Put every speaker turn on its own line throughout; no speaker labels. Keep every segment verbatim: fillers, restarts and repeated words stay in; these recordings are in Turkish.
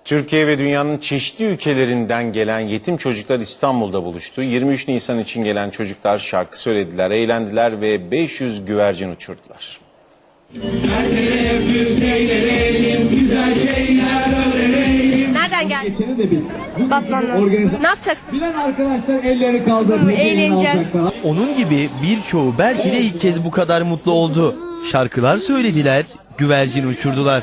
Türkiye ve dünyanın çeşitli ülkelerinden gelen yetim çocuklar İstanbul'da buluştu. yirmi üç Nisan için gelen çocuklar şarkı söylediler, eğlendiler ve beş yüz güvercin uçurdular.
Nereden geldin?
Batman'dan.
Ne yapacaksın?
Bilen arkadaşlar elleri kaldırıp
Eğleneceğiz.
Onun gibi birçoğu belki de ilk kez bu kadar mutlu oldu. Şarkılar söylediler, güvercin uçurdular.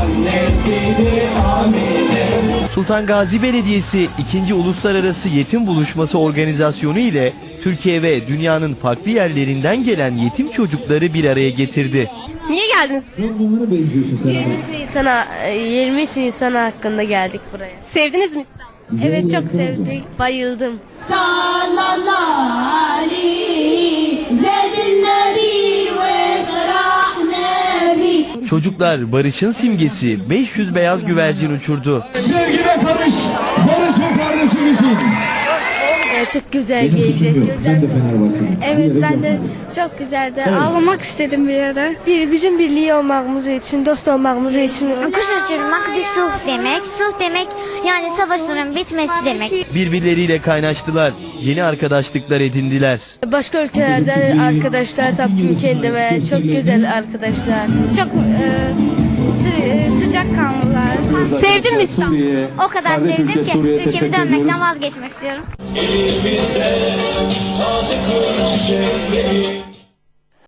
Sultan Gazi Belediyesi ikinci Uluslararası Yetim Buluşması organizasyonu ile Türkiye ve dünyanın farklı yerlerinden gelen yetim çocukları bir araya getirdi.
Niye geldiniz?
Bunlara benziyorsun sen.
yirmi Nisan'a yirmi Nisan hakkında geldik buraya.
Sevdiniz mi İstanbul'u?
Evet, çok sevdik, bayıldım.
Sallallahu aleyhi zedin nebi ve ferah nebi.
Çocuklar barışın simgesi beş yüz beyaz güvercin uçurdu.
Sevgi ve barış, barış ve kardeşim için.
Ee, çok güzel
Benim suçum
geldi.
yok. Ben de Fenerbahçeliyim.
Evet, ben de çok güzeldi. Ağlamak istedim bir ara. Bir, bizim birliği olmamız için, dost olmamız için.
Kuş uçurmak bir sulh demek. Sulh demek yani savaşların bitmesi demek.
Birbirleriyle kaynaştılar, yeni arkadaşlıklar edindiler.
Başka ülkelerden arkadaşlar taptım kendime. Çok güzel arkadaşlar. Çok e, sı sıcak kanlılar.
Sevdin mi İstanbul'u?
O kadar sevdim ki ülkemi dönmekten vazgeçmek istiyorum.